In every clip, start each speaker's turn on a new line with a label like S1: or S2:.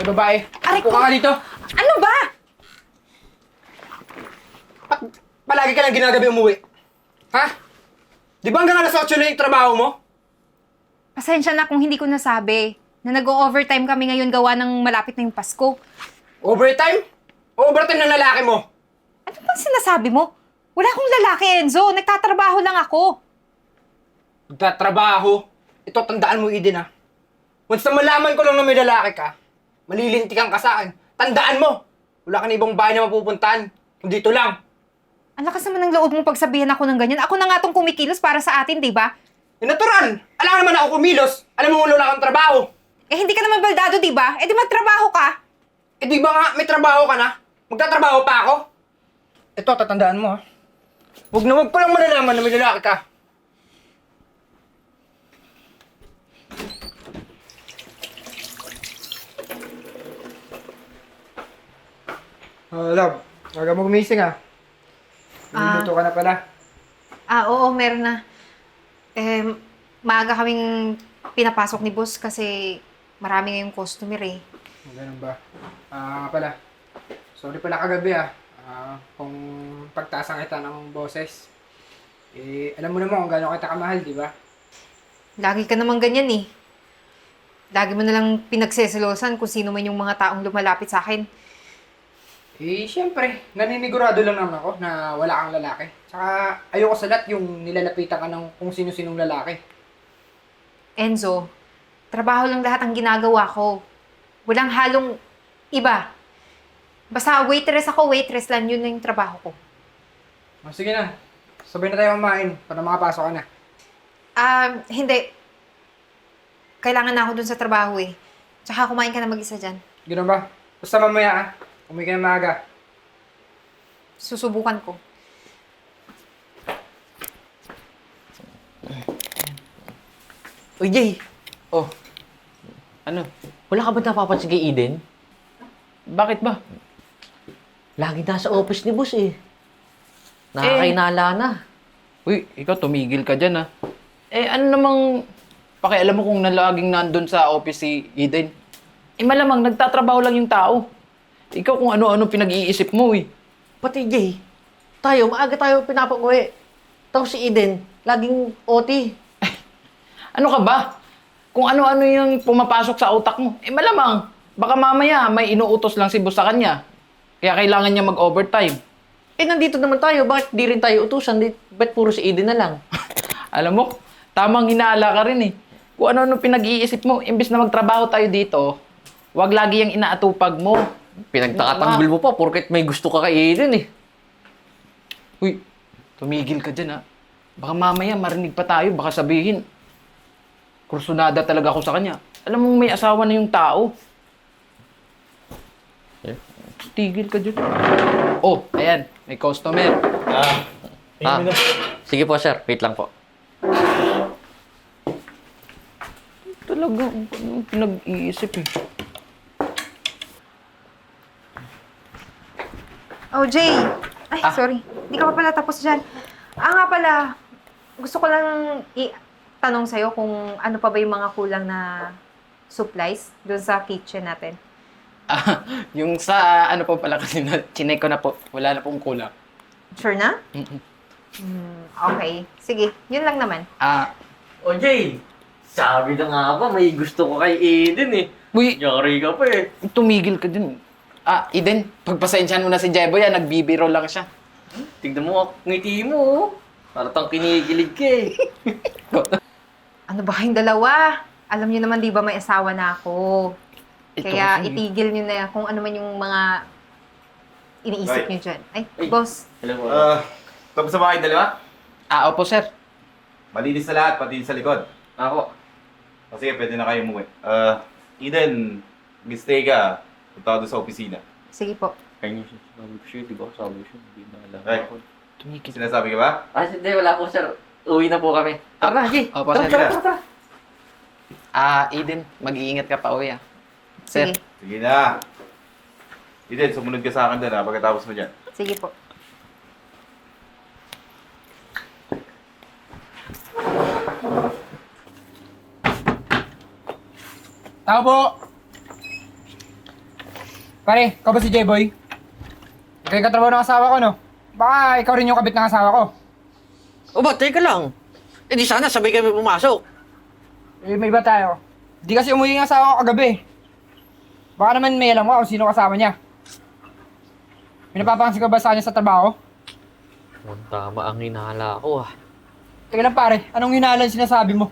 S1: babae.
S2: Aray ko!
S1: Upo ka dito.
S2: Ano ba?
S1: Palagi ka lang ginagabi umuwi. Ha? Di ba hanggang alas 8 na yung trabaho mo?
S2: Pasensya na kung hindi ko nasabi na nag-o-overtime kami ngayon gawa ng malapit na yung Pasko.
S1: Overtime? Overtime ng lalaki mo.
S2: Ano bang sinasabi mo? Wala akong lalaki, Enzo. Nagtatrabaho lang ako.
S1: Nagtatrabaho. Ito, tandaan mo, Eden, ha? Once na malaman ko lang na may lalaki ka, malilintikan ka sa akin. Tandaan mo, wala ka na ibang bahay na mapupuntahan. Kundi ito lang.
S2: Ang lakas naman ng loob mong pagsabihan ako ng ganyan. Ako na nga tong kumikilos para sa atin, di ba?
S1: Eh, natural. Alam naman ako kumilos. Alam mo wala kang trabaho.
S2: Eh, hindi ka naman baldado, di ba? Eh, di magtrabaho ka.
S1: Eh, di ba nga may trabaho ka na? Magtatrabaho pa ako? Ito, tatandaan mo, ha? Huwag na huwag pa lang malalaman na may lalaki ka. Love, huwag mo gumising, ha? Niluluto ka na pala.
S2: Oo, meron na. Eh, maaga kaming pinapasok ni boss kasi marami ngayong customer eh.
S1: Ganun ba? Pala. Sorry pala kagabi, kung pagtasang kita ng boses. Eh, alam mo naman kung gaano kita kamahal, di ba?
S2: Lagi ka naman ganyan eh. Lagi mo na lang pinagseselosan kung sino man yung mga taong lumalapit sa akin.
S1: Eh, syempre, naninigurado lang naman ako na wala kang lalaki. Tsaka, ayoko sa lahat yung nilalapitan ka ng kung sino-sinong lalaki.
S2: Enzo, trabaho lang lahat ang ginagawa ko. Walang halong iba. Basta waitress ako, waitress lang, yun na yung trabaho ko.
S1: Sige na. Sabay na tayo kumain para makapasok ka na.
S2: Hindi. Kailangan na ako dun sa trabaho eh. Tsaka kumain ka na mag-isa dyan.
S1: Gano'n ba? Basta mamaya, umuwi ka na maaga.
S2: Susubukan ko.
S3: Uy, Jay!
S4: Oh, ano?
S3: Wala ka ba napapansin kay Eden?
S4: Bakit ba?
S3: Lagi nasa office ni boss eh. Nakakainala na.
S4: Uy, ikaw tumigil ka dyan ah. Eh, ano namang pakialam mo kung nalaging nandun sa office si Eden? Eh, malamang nagtatrabaho lang yung tao. Ikaw kung ano-ano pinag-iisip mo eh.
S3: Pati Jay, maaga tayo pinapauwi. Tapos si Eden, laging OT.
S4: Ano ka ba? Kung ano-ano yung pumapasok sa utak mo, eh malamang, baka mamaya may inuutos lang si boss sa kanya. Kaya kailangan niya mag-overtime.
S3: Eh, nandito naman tayo. Bakit di rin tayo utusan? Ba't puro si Eden na lang?
S4: Alam mo, tamang hinala ka rin eh. Kung ano-ano pinag-iisip mo, imbis na magtrabaho tayo dito, wag lagi yung inaatupag mo.
S3: Pinagtakatanggol mo pa porket may gusto ka kay Eden eh.
S4: Uy, tumigil ka dyan ha. Baka mamaya marinig pa tayo, baka sabihin, kursunada talaga ako sa kanya. Alam mo may asawa na yung tao. Tigil ka dyan. Oh, ayan, may customer.
S3: Sige po sir, wait lang po.
S4: Talaga, ano pinag-iisip eh.
S2: Oh, Jay! Ay, sorry. Hindi ka pa pala tapos dyan. Nga pala, gusto ko lang tanong sa'yo kung ano pa ba yung mga kulang na supplies doon sa kitchen natin.
S4: Yung sa ano po pala kasi na chinek ko na po, wala na pong kulang.
S2: Sure na?
S4: Mm-mm.
S2: Okay. Sige, yun lang naman.
S3: O Jay, sabi na nga ba, may gusto ko kay Eden eh.
S4: Uy,
S3: Yari ka pa eh.
S4: tumigil ka dun. Eden, pagpasensyahan mo na si Jeboy, nagbibiro lang siya.
S3: Tignan mo ang ngiti mo oh. Parang kinikilig ka eh.
S2: Ano ba kayong dalawa? Alam niyo naman, di ba may asawa na ako?
S4: Ito
S2: Kaya
S4: kasi.
S2: itigil niyo na kung ano man yung mga iniisip
S5: Right.
S2: niyo dyan. Ay,
S3: Ay.
S2: boss.
S3: Hello po.
S5: Tapos sa mga dalawa?
S4: Opo sir.
S5: Malinis na lahat, pati sa likod.
S3: Ako.
S5: O sige, pwede na kayo umuwi. Eden, mag-stay ka. Punta ka doon sa opisina.
S2: Sige po.
S3: Kanya siya. Sabi ko siya, di ba? Sabi ko siya, hindi na alam
S5: Right.
S3: ako.
S4: Tumigil.
S5: Sinasabi ka ba?
S3: Hindi, wala po sir. Uwi na po kami. Tara, Jay.
S4: Opo,
S3: Tara,
S4: sir.
S3: tara, tara, tara.
S4: Eden, mag-iingat ka pa uwi Sir.
S2: Sige.
S5: Sige na. Eden, sumunod ka sa akin doon pagkatapos mo dyan.
S2: Sige po.
S1: Tao po! Pare, ikaw ba si J-Boy? Ikaw yung katrabaho ng asawa ko, no? Baka ikaw rin yung kabit ng asawa ko.
S3: O ba, teka lang. Eh di sana sabay kami pumasok.
S1: Eh, may iba tayo. Di kasi umuwi yung asawa ko kagabi. Baka naman may alam ko kung sino kasama niya. Pinapapansin ka ba sa kanya sa trabaho?
S3: Tama ang hinala ko ah.
S1: Teka lang pare, anong hinalan sinasabi mo?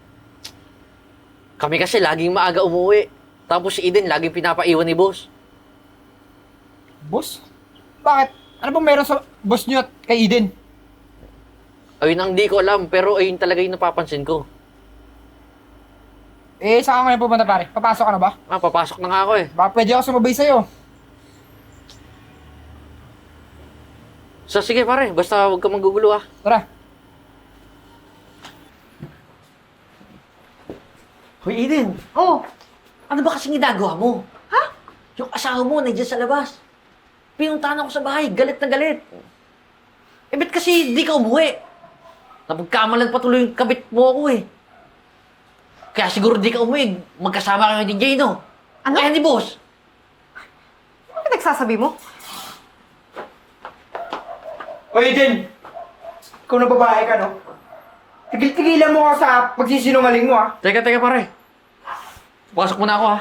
S3: Kami kasi laging maaga umuwi. Tapos si Eden laging pinapaiwan ni boss.
S1: Boss? Bakit? Ano bang meron sa boss niyo at kay Eden?
S3: Ayun ang di ko alam, pero ayun talaga yung napapansin ko.
S1: Eh, saan ka ngayon pupunta pare? Papasok ka na ba?
S3: Ah, papasok na nga ako eh.
S1: Baka pwede ako sumabay sa'yo.
S3: So sige pare, basta huwag ka magugulo ah.
S1: Tara.
S3: Hoy Eden,
S2: Oh,
S3: ano ba kasing ginagawa mo?
S2: Ha?
S3: Yung asawa mo nandiyan sa labas. Pinuntahan ako sa bahay, galit na galit. Eh ba't kasi di ka umuwi? Napagkamalan patuloy yung kabit mo ako eh. Kaya siguro di ka umuwi, magkasama kayo ni Jay, no?
S2: Ano?
S3: Kaya ni boss.
S2: ano pinagsasabi mo?
S1: O Eden! Ikaw na babae ka, no? Tigil-tigilan mo ka sa pagsisinungaling mo, ah.
S3: Teka pare. Pasok muna ako ha.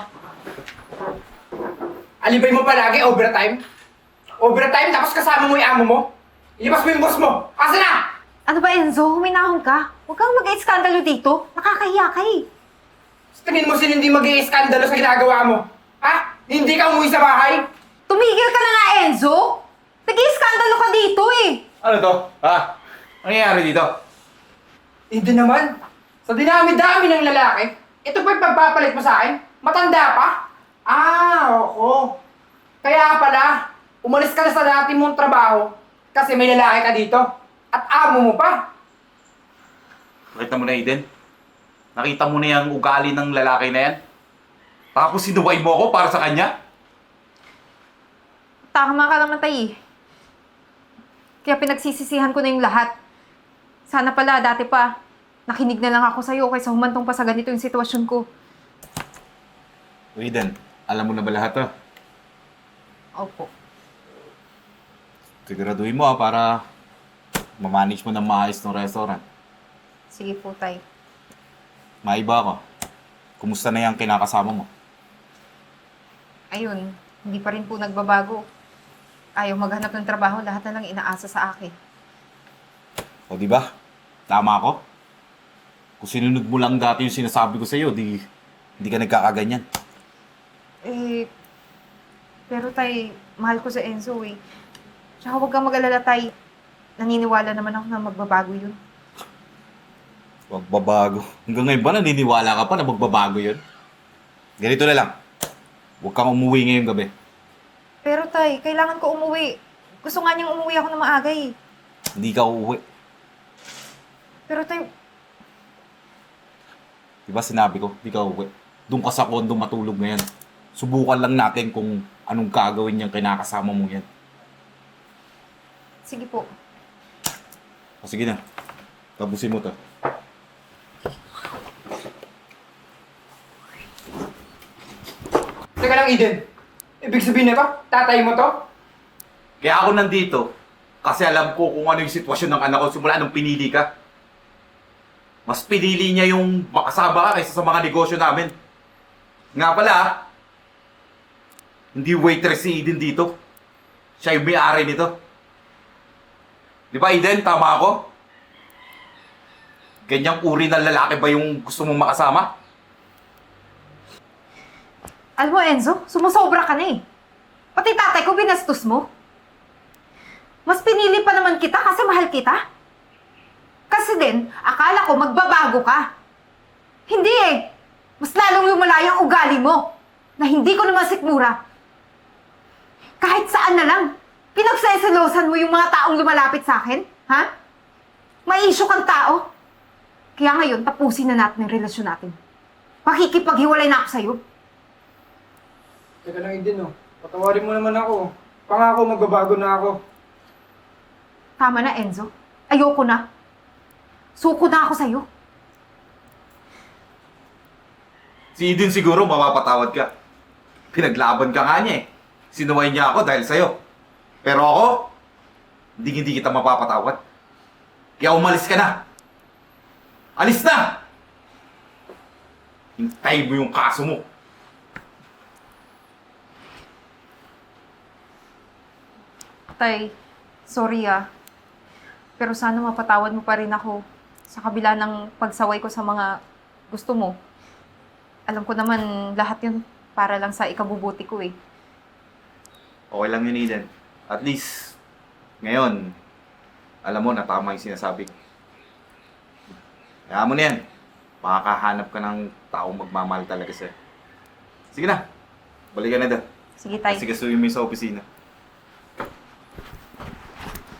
S1: Alibay mo palagi, overtime? Overtime, tapos kasama mo yung amo mo? Ilabas mo yung boss mo! Asa na?
S2: Ano ba, Enzo? Huminahon ka? Huwag kang mag-iskandalo dito. Nakakahiya ka eh.
S1: Sa tingin mo sino hindi mag-i-skandalo sa ginagawa mo? Ha? Hindi ka umuwi sa bahay?
S2: Tumigil ka na nga, Enzo! Nag-iskandalo ka dito eh.
S5: Ano to? Ha? Ano nangyayari dito?
S1: Hindi naman. Sa dinami-dami ng lalaki, ito pa yung pagpapalit mo sa akin? Matanda pa? Oo. Kaya pala, umalis ka na sa dati mong trabaho kasi may lalaki ka dito. At amo mo pa.
S5: Nakita mo na, Eden? Nakita mo na yung ugali ng lalaki na yan? Tapos sinuway mo ako para sa kanya?
S2: Tama ka naman, Tay. Kaya pinagsisisihan ko na yung lahat. Sana pala, dati pa, nakinig na lang ako sa'yo kaysa humantong pa sa ganito yung sitwasyon ko.
S5: Eden, alam mo na ba lahat to?
S2: Opo.
S5: Siguraduhin mo para mamanage mo ng maayos ng restaurant.
S2: Sige po, Tay.
S5: Maiba ako. Kumusta na yung kinakasama mo?
S2: Ayun, hindi pa rin po nagbabago. Ayaw maghanap ng trabaho, lahat na lang inaasa sa akin.
S5: O di ba? Tama ako? Kung sinunod mo lang dati yung sinasabi ko sa'yo, hindi ka nagkakaganyan.
S2: Eh, pero Tay, mahal ko si Enzo eh. Tsaka huwag kang mag-alala, Tay. Naniniwala naman ako na magbabago yun.
S5: Magbabago. Hanggang ngayon ba naniniwala ka pa na magbabago yun? Ganito na lang. Huwag kang umuwi ngayong gabi.
S2: Pero Tay, kailangan ko umuwi. Gusto nga niyang umuwi ako na maaga eh.
S5: Hindi ka uuwi.
S2: Pero Tay,
S5: Diba sinabi ko, hindi ka uuwi. Doon ka sa kondo matulog ngayon. Subukan lang natin kung anong gagawin niyang kinakasama mo yan.
S2: sige po.
S5: O sige na. Tapusin mo to.
S1: Teka lang, Eden. Ibig sabihin na ba? Tatay mo to?
S5: Kaya ako nandito kasi alam ko kung ano yung sitwasyon ng anak ko simula nung pinili ka. Mas pinili niya yung makasama ka kaysa sa mga negosyo namin. Nga pala, hindi waitress si Eden dito. Siya yung may-ari nito. Di ba, Eden? Tama ako? Ganyang uri ng lalaki ba yung gusto mong makasama?
S2: Alam mo, Enzo, sumusobra ka na eh. Pati tatay ko binastos mo. Mas pinili pa naman kita kasi mahal kita. Kasi din, akala ko magbabago ka. Hindi eh. Mas lalong lumala yung ugali mo na hindi ko naman sikmura. Kahit saan na lang, pinagseselosan mo yung mga taong lumalapit sa akin, ha? May issue kang tao. Kaya ngayon, tapusin na natin ang relasyon natin. Makikipaghiwalay na ako sa'yo.
S1: Teka lang, Eden, oh. Patawarin mo naman ako. Pangako, magbabago na ako.
S2: Tama na, Enzo. Ayoko na. Suko na ako sa'yo.
S5: Si Eden siguro mapapatawad ka. Pinaglaban ka nga niya eh. sinuway niya ako dahil sa'yo. Pero ako, hindi kita mapapatawad. Kaya umalis ka na. Alis na! Hintay mo yung kaso mo.
S2: Tay, sorry ah. Pero sana mapatawad mo pa rin ako sa kabila ng pagsaway ko sa mga gusto mo. Alam ko naman lahat yun para lang sa ikabubuti ko eh.
S5: Okay lang yun, Eden. At least, ngayon, alam mo na tama yung sinasabi ko. Kaya mo na yan. Makakahanap ka ng taong magmamahal talaga sa'yo. Sige na. Balik ka na doon.
S2: Sige, Tay.
S5: Sige, suyo mo yung sa opisina.